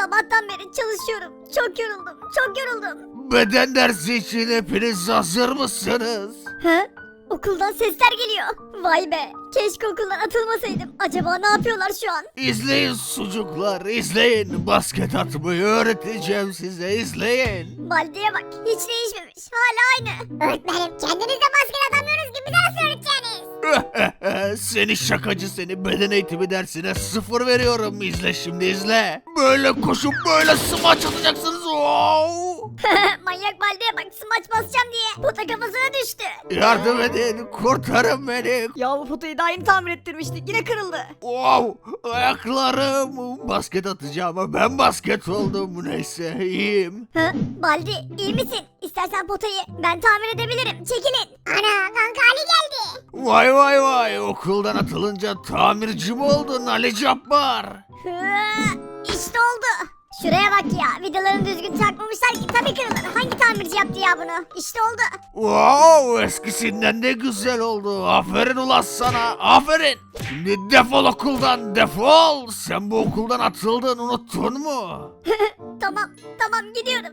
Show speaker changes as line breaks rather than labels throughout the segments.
Sabahtan beri çalışıyorum. Çok yoruldum. Çok yoruldum.
Beden dersi için hepiniz hazır mısınız?
He? Okuldan sesler geliyor. Vay be. Keşke okuldan atılmasaydım. Acaba ne yapıyorlar şu an?
İzleyin sucuklar, izleyin. Basket atmayı öğreteceğim size, izleyin.
Baldi'ye bak. Hiç değişmemiş. Hala aynı.
Öğretmenim kendiniz de basket atamıyoruz ki bize nasıl öğreteceğiniz?
Seni şakacı seni, beden eğitimi dersine 0 veriyorum. İzle şimdi, izle. Böyle koşup böyle smaç atacaksınız. Wow!
Manyak Baldi'ye bak. Smaç basacağım diye. Pota kafasına düştü.
Yardım edin, kurtarın beni.
Ya bu potayı daha yeni tamir ettirmiştik yine kırıldı.
Wow! Ayaklarım. Basket atacağım ama ben basket oldum. Neyse, iyiyim.
Hı? Baldi iyi misin? İstersen potayı ben tamir edebilirim. Çekilin.
Ana kanka Ali geldi.
Vay vay vay, okuldan atılınca tamirci mi oldun Ali Cabbar?
Hı, İşte oldu. Şuraya bak ya. Vidalarını düzgün takmamışlar ki tabii kırılır. Hangi tamirci yaptı ya bunu? İşte oldu.
Wow, eskisinden de güzel oldu. Aferin ulan sana, aferin. Şimdi defol okuldan, defol. Sen bu okuldan atıldın, unuttun mu?
Tamam gidiyorum.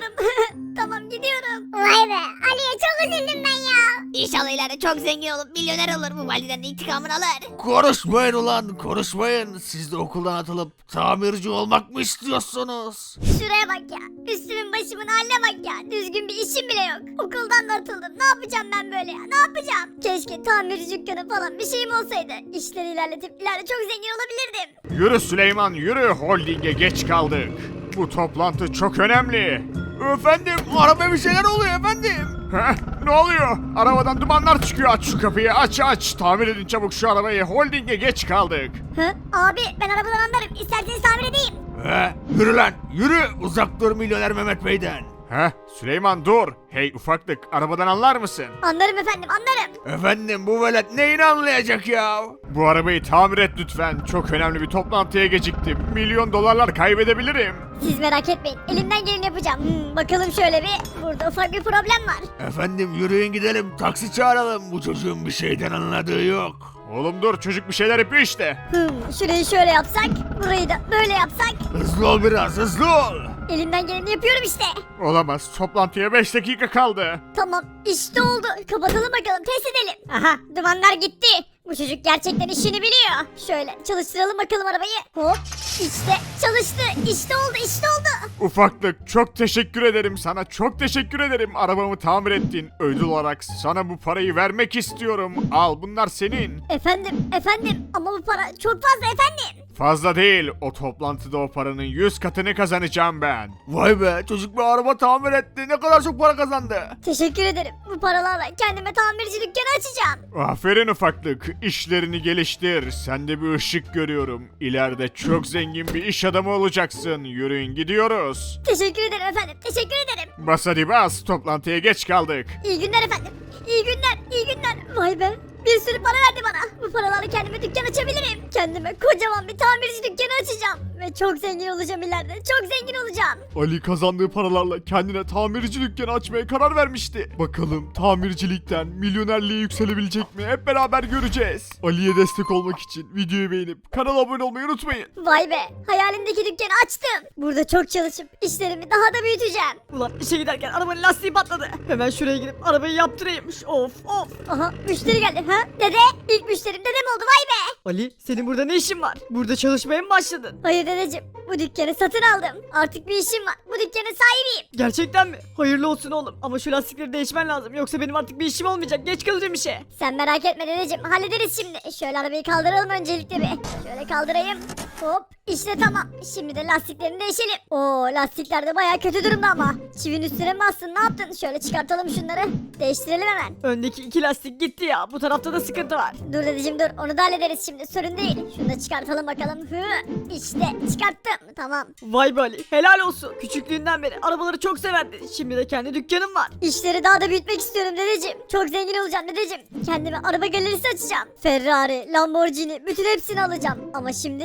Tamam gidiyorum.
Vay be Ali'ye çok üzüldüm ben ya.
İnşallah ileride çok zengin olup milyoner olur, bu validen intikamını alır.
Konuşmayın ulan, konuşmayın. Siz de okuldan atılıp tamirci olmak mı istiyorsunuz?
Şuraya bak ya. Üstümün başımın haline bak ya. Düzgün bir işim bile yok. Okuldan da atıldım. Ne yapacağım ben böyle ya? Ne yapacağım? Keşke tamirci dükkanı falan bir şeyim olsaydı. İşleri ilerletip ileride çok zengin olabilirdim.
Yürü Süleyman yürü, holdinge geç kaldık. Bu toplantı çok önemli.
Efendim, arabaya bir şeyler oluyor efendim.
Heh, ne oluyor? Arabadan dumanlar çıkıyor, aç şu kapıyı, aç. Tamir edin çabuk şu arabayı, holdinge geç kaldık.
Hı? Abi ben arabadan anlarım. İsterseniz tamir edeyim.
Yürü lan, yürü. Uzak dur milyoner Mehmet Bey'den.
Heh, Süleyman dur. Hey ufaklık, arabadan anlar mısın?
Anlarım efendim anlarım.
Efendim, bu velet neyini anlayacak ya?
Bu arabayı tamir et lütfen. Çok önemli bir toplantıya geciktim. Milyon dolarlar kaybedebilirim.
Siz merak etmeyin. Elimden geleni yapacağım. Bakalım şöyle bir. Burada ufak bir problem var.
Efendim, yürüyün gidelim, taksi çağıralım. Bu çocuğun bir şeyden anladığı yok.
Oğlum dur, çocuk bir şeyler yapıyor işte.
Şurayı şöyle yapsak. Burayı da böyle yapsak.
Hızlı ol biraz, hızlı ol.
Elimden geleni yapıyorum işte.
Olamaz, toplantıya 5 dakika kaldı.
Tamam işte oldu. Kapatalım bakalım test edelim. Aha dumanlar gitti. Bu çocuk gerçekten işini biliyor. Şöyle çalıştıralım bakalım arabayı. Hop işte çalıştı. İşte oldu.
Ufaklık, çok teşekkür ederim sana, çok teşekkür ederim. Arabamı tamir ettin. Ödül olarak sana bu parayı vermek istiyorum. Al, bunlar senin.
Efendim ama bu para çok fazla efendim.
Fazla değil, o toplantıda o paranın 100 katını kazanacağım ben.
Vay be, çocuk bir araba tamir etti. Ne kadar çok para kazandı.
Teşekkür ederim. Bu paralarla kendime tamirci dükkanı açacağım.
Aferin ufaklık, işlerini geliştir. Sende bir ışık görüyorum. İleride çok zengin bir iş adamı olacaksın. Yürüyün gidiyoruz.
Teşekkür ederim efendim. Teşekkür ederim.
Bas hadi bas, toplantıya geç kaldık.
İyi günler efendim. İyi günler. Vay be. Bir sürü para verdi bana. Bu paralarla kendime dükkan açabilirim. Kendime kocaman bir tamirci dükkanı açacağım. Ve çok zengin olacağım ileride. Çok zengin olacağım.
Ali kazandığı paralarla kendine tamirci dükkanı açmaya karar vermişti. Bakalım tamircilikten milyonerliğe yükselebilecek mi? Hep beraber göreceğiz. Ali'ye destek olmak için videoyu beğenip kanala abone olmayı unutmayın.
Vay be. Hayalimdeki dükkanı açtım. Burada çok çalışıp işlerimi daha da büyüteceğim.
Ulan işe giderken arabanın lastiği patladı. Hemen şuraya gidip arabayı yaptırayım. Of.
Aha müşteri geldi. Ha? Dede. İlk müşterim dedem oldu. Vay be.
Ali senin burada ne işin var? Burada çalışmaya mı başladın?
Hayır dedeciğim. Bu dükkanı satın aldım. Artık bir işim var. Bu dükkanın sahibiyim.
Gerçekten mi? Hayırlı olsun oğlum. Ama şu lastikleri değişmen lazım. Yoksa benim artık bir işim olmayacak. Geç kalacağım işe.
Sen merak etme dedeciğim. Hallederiz şimdi. Şöyle arabayı kaldıralım öncelikle bir. Şöyle kaldırayım. Hop. İşte tamam. Şimdi de lastiklerini değişelim. Oo lastikler de baya kötü durumda ama. Çivin üstüne mi bastın? Ne yaptın? Şöyle çıkartalım şunları. Değiştirelim hemen.
Öndeki iki lastik gitti ya. Bu tarafta da sıkıntı var.
Dur dedeciğim dur. Onu da hallederiz şimdi. Sorun değil. Şunu da çıkartalım bakalım. İşte çıkarttım. Tamam.
Vay be Ali. Helal olsun. Küçüklüğünden beri arabaları çok severdi. Şimdi de kendi dükkanım var.
İşleri daha da büyütmek istiyorum dedeciğim. Çok zengin olacağım dedeciğim. Kendime araba galerisi açacağım. Ferrari, Lamborghini bütün hepsini alacağım. Ama şimdi çalışmaya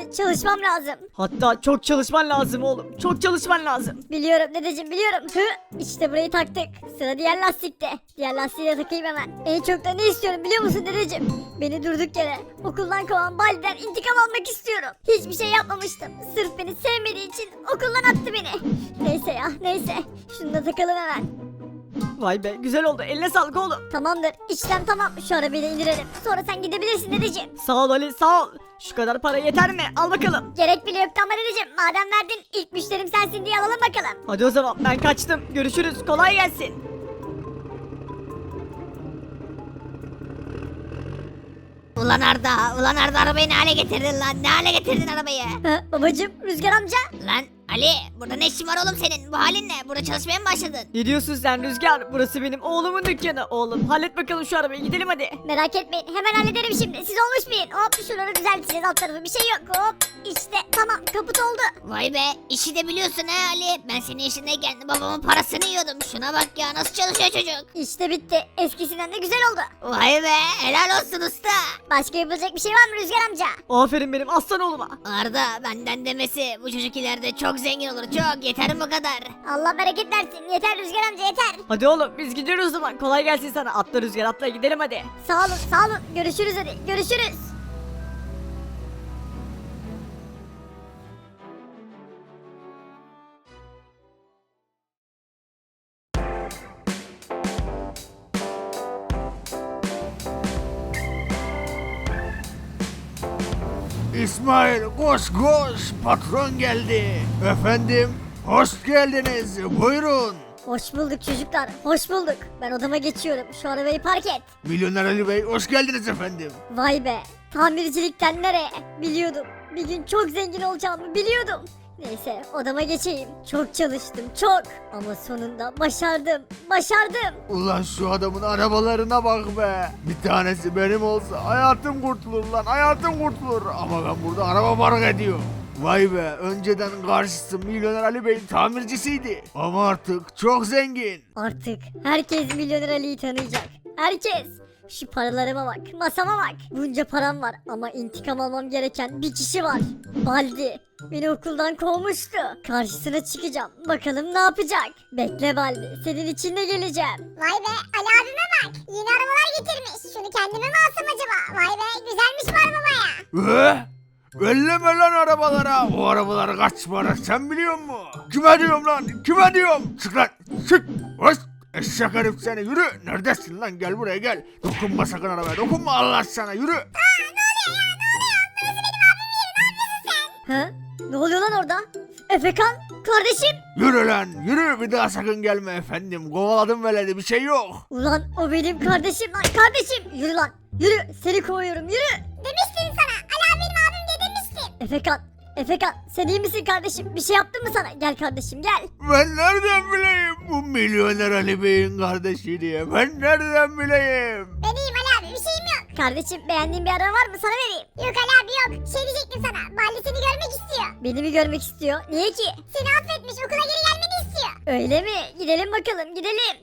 çalışmam lazım.
Hatta çok çalışman lazım oğlum. Çok çalışman lazım.
Biliyorum dedeciğim biliyorum. İşte burayı taktık. Sıra diğer lastikte. Diğer lastiği de takayım hemen. En çok da ne istiyorum biliyor musun dedeciğim? Beni durduk yere okuldan kovan Baldi'den intikam almak istiyorum. Hiçbir şey yapmamıştım. Sırf beni sevmediği için okuldan attı beni. Neyse ya neyse. Şunu da takalım hemen.
Vay be güzel oldu. Eline sağlık oğlum.
Tamamdır işlem tamam. Şu arabayı da indirelim. Sonra sen gidebilirsin dedeciğim.
Sağ ol Ali sağ ol. Şu kadar para yeter mi? Al bakalım.
Gerek bile yoktu ama dedeciğim. Madem verdin ilk müşterim sensin diye alalım bakalım.
Hadi o zaman ben kaçtım. Görüşürüz. Kolay gelsin.
Ulan Arda arabayı ne hale getirdin lan? Ne hale getirdin arabayı?
Babacım Rüzgar amca.
Lan Ali burada ne işin var oğlum senin? Bu halin ne? Burada çalışmaya mı başladın?
Ne diyorsun sen Rüzgar? Burası benim oğlumun dükkanı. Oğlum hallet bakalım şu arabayı. Gidelim hadi.
Merak etmeyin hemen hallederim şimdi. Siz olmuş muyun? Hop şuraları düzelteceğiz alt tarafı bir şey yok. Hop işte tamam kaput oldu.
Vay be işi de biliyorsun ha Ali. Ben senin yaşındayken babamın parasını yiyordum. Şuna bak ya nasıl çalışıyor çocuk.
İşte bitti. Eskisinden de güzel oldu.
Vay be helal olsun usta.
Başka yapılacak bir şey var mı Rüzgar amca?
Aferin benim aslan oğluma.
Arda benden demesi bu çocuk ileride çok zengin olur çok yeter bu kadar.
Allah bereket versin. Yeter Rüzgar amca yeter.
Hadi oğlum biz gidiyoruz o zaman. Kolay gelsin sana. Atla Rüzgar atla gidelim hadi.
Sağ olun sağ olun. Görüşürüz hadi. Görüşürüz.
İsmail koş koş patron geldi. Efendim hoş geldiniz buyurun.
Hoş bulduk çocuklar. Hoş bulduk. Ben odama geçiyorum. Şu arabayı park et.
Milyoner Ali Bey hoş geldiniz efendim.
Vay be. Tamircilikten nereye? Biliyordum. Bir gün çok zengin olacağımı biliyordum. Neyse odama geçeyim. Çok çalıştım çok. Ama sonunda başardım. Başardım.
Ulan şu adamın arabalarına bak be. Bir tanesi benim olsa hayatım kurtulur lan hayatım kurtulur. Ama ben burada araba park ediyorum. Vay be önceden karşısı Milyoner Ali Bey'in tamircisiydi. Ama artık çok zengin.
Artık herkes Milyoner Ali'yi tanıyacak. Herkes. Şu paralarıma bak, masama bak. Bunca param var ama intikam almam gereken bir kişi var. Baldi. Beni okuldan kovmuştu. Karşısına çıkacağım. Bakalım ne yapacak. Bekle Baldi. Senin için de geleceğim.
Vay be Ali abime bak. Yeni arabalar getirmiş. Şunu kendime mi alsam acaba? Vay be güzelmiş bu araba baya.
Elleme lan arabalara. O arabalar kaç para sen biliyor musun? Kime diyorum lan? Kime diyorum? Çık lan. Çık. Hoş. Eşek herif seni yürü. Neredesin lan gel buraya gel. Dokunma sakın arabaya dokunma Allah sana yürü.
Ha? Ne oluyor lan orada? Efekan? Kardeşim?
Yürü lan yürü bir daha sakın gelme efendim. Kovaladım veledi bir şey yok.
Ulan o benim kardeşim lan kardeşim. Yürü lan. Yürü. Seni kovuyorum yürü.
Demiştim sana. Ali abi benim abim diye demiştim.
Efekan. Efekan sen iyi misin kardeşim? Bir şey yaptın mı sana? Gel kardeşim gel.
Ben nereden bileyim bu Milyoner Ali Bey'in kardeşi diye. Ben nereden bileyim?
Ben iyiyim Ali abi bir şeyim yok.
Kardeşim beğendiğin bir araba var mı? Sana vereyim.
Yok Ali abi yok. Şey diyecektim sana. Balli seni görmek istiyor.
Beni mi görmek istiyor? Niye ki?
Seni affetmiş okula geri gelmeni istiyor.
Öyle mi? Gidelim bakalım gidelim.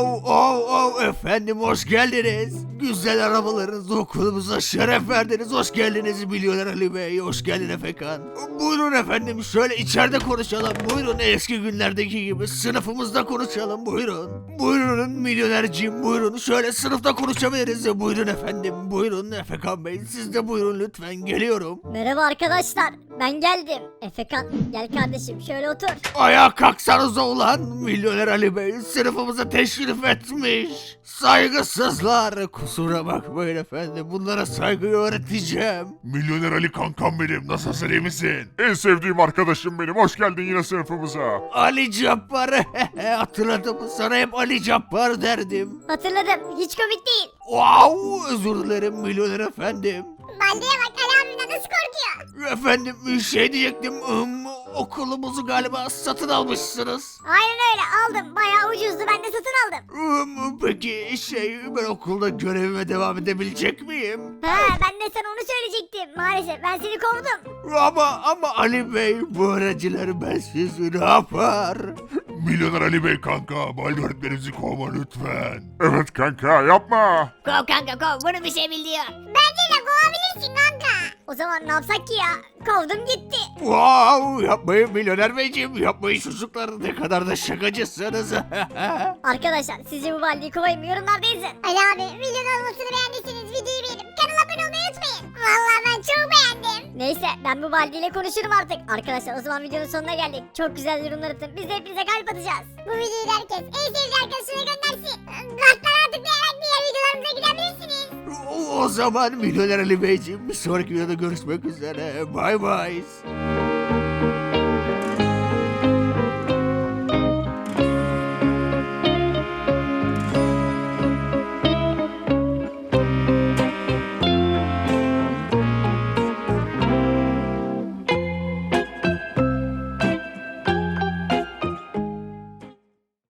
Wow efendim hoş geldiniz. Güzel arabalarınızla okulumuza şeref verdiniz. Hoş geldiniz Milyoner Ali Bey. Hoş geldin Efekan. Buyurun efendim şöyle içeride konuşalım. Buyurun eski günlerdeki gibi sınıfımızda konuşalım. Buyurun. Buyurun milyonerciğim buyurun. Şöyle sınıfta konuşabiliriz. Buyurun efendim. Buyurun Efekan Bey. Siz de buyurun lütfen geliyorum.
Merhaba arkadaşlar. Ben geldim. Efekan gel kardeşim şöyle otur.
Ayağa kalksanıza ulan. Milyoner Ali Bey sınıfımıza teşrif etmiş. Saygısızlar. Kusura bakmayın efendim. Bunlara saygıyı öğreteceğim.
Milyoner Ali kankam benim. Nasılsın iyi misin? En sevdiğim arkadaşım benim. Hoş geldin yine sınıfımıza.
Ali Cabbar. Hatırladım. Sana hep Ali Cabbar derdim.
Hatırladım. Hiç komik değil.
Wow, özür dilerim milyoner efendim.
Baldi'ye bak Ali abimden nasıl korkuyor.
Efendim bir şey diyecektim. Okulumuzu galiba satın almışsınız.
Aynen öyle aldım. Bayağı ucuzdu ben de satın aldım.
Peki ben okulda görevime devam edebilecek miyim?
Ha ben de sana onu söyleyecektim. Maalesef ben seni kovdum.
Ama Ali Bey bu öğrenciler bensiz ne yapar?
Milyoner Ali Bey kanka. Baldi öğretmenimizi kovma lütfen. Evet kanka yapma.
Kov kanka kov bunu bir şey bil diyor.
Bence de kovabilirsin kanka.
O zaman ne yapsak ki ya? Kovdum gitti.
Wow, yapmayın milyoner beyciğim, yapmayın çocuklar, ne kadar da şakacısınız.
Arkadaşlar sizce bu baldiyi kovayım mı? Yorumlarda yazın.
Ali abi milyon olmasını beğendiyseniz videoyu beğenip kanala abone olmayı unutmayın. Vallahi ben çok beğendim.
Neyse ben bu baldiyle konuşurum artık. Arkadaşlar o zaman videonun sonuna geldik. Çok güzel yorumlar atın. Biz de hepinize kalp atacağız.
Bu videoyu da herkes en sevdiği arkadaşına göndersin. Kartlara tıklayarak diğer videolarımıza gidebilirsiniz.
O zaman milyoner Ali beyciğim, bir sonraki videoda görüşmek üzere. Bye bye.